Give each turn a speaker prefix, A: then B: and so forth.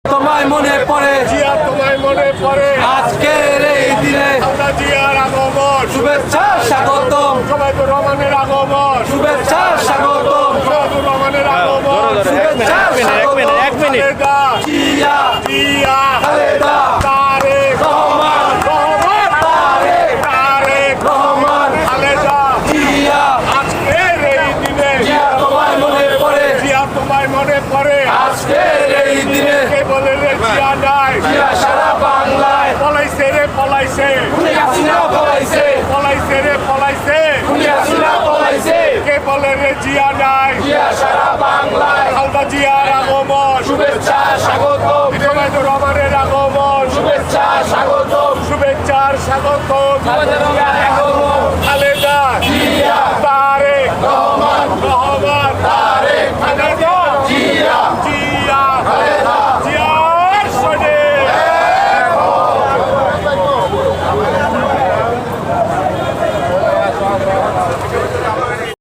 A: তোমায় মনে পড়ে
B: জিয়া তোমায় মনে পড়ে
A: আজকের এই দিনে
B: খালেদা জিয়ার আগমন
A: শুভেচ্ছা স্বাগতম
B: শোভাবুর রহমানের আগমন
A: শুভেচ্ছা স্বাগতম
B: শোভাবুর রহমানের আগমন
A: শুভেচ্ছা স্বাগতম
B: খালেদা
A: জিয়া
B: জিয়া
A: খালেদা
B: তারেক
A: রহমান
B: রহমান তারেক
A: রহমান
B: খালেদা
A: জিয়া
B: আজকের এই দিনে
A: জিয়া তোমায় মনে পড়ে
B: জিয়া তোমায় মনে পড়ে
A: আজকের এই দিনে
B: কে বলে রে জিয়া নাই
A: জিয়া সারা বাংলায়
B: পলাইছে রে পলাইছে
A: খুনি হাসিনা পলাইছে
B: পলাইছে রে পলাইছে
A: খুনি হাসিনা পলাইছে
B: কে বলে রে জিয়া নাই
A: জিয়া সারা বাংলায়
B: খালেদা জিয়ার আগমন
A: শুভেচ্ছা স্বাগতম
B: শোভাবুর রহমানের আগমন
A: শুভেচ্ছা স্বাগতম
B: শুভেচ্ছার স্বাগত
A: খালেদা জিয়ার আগমন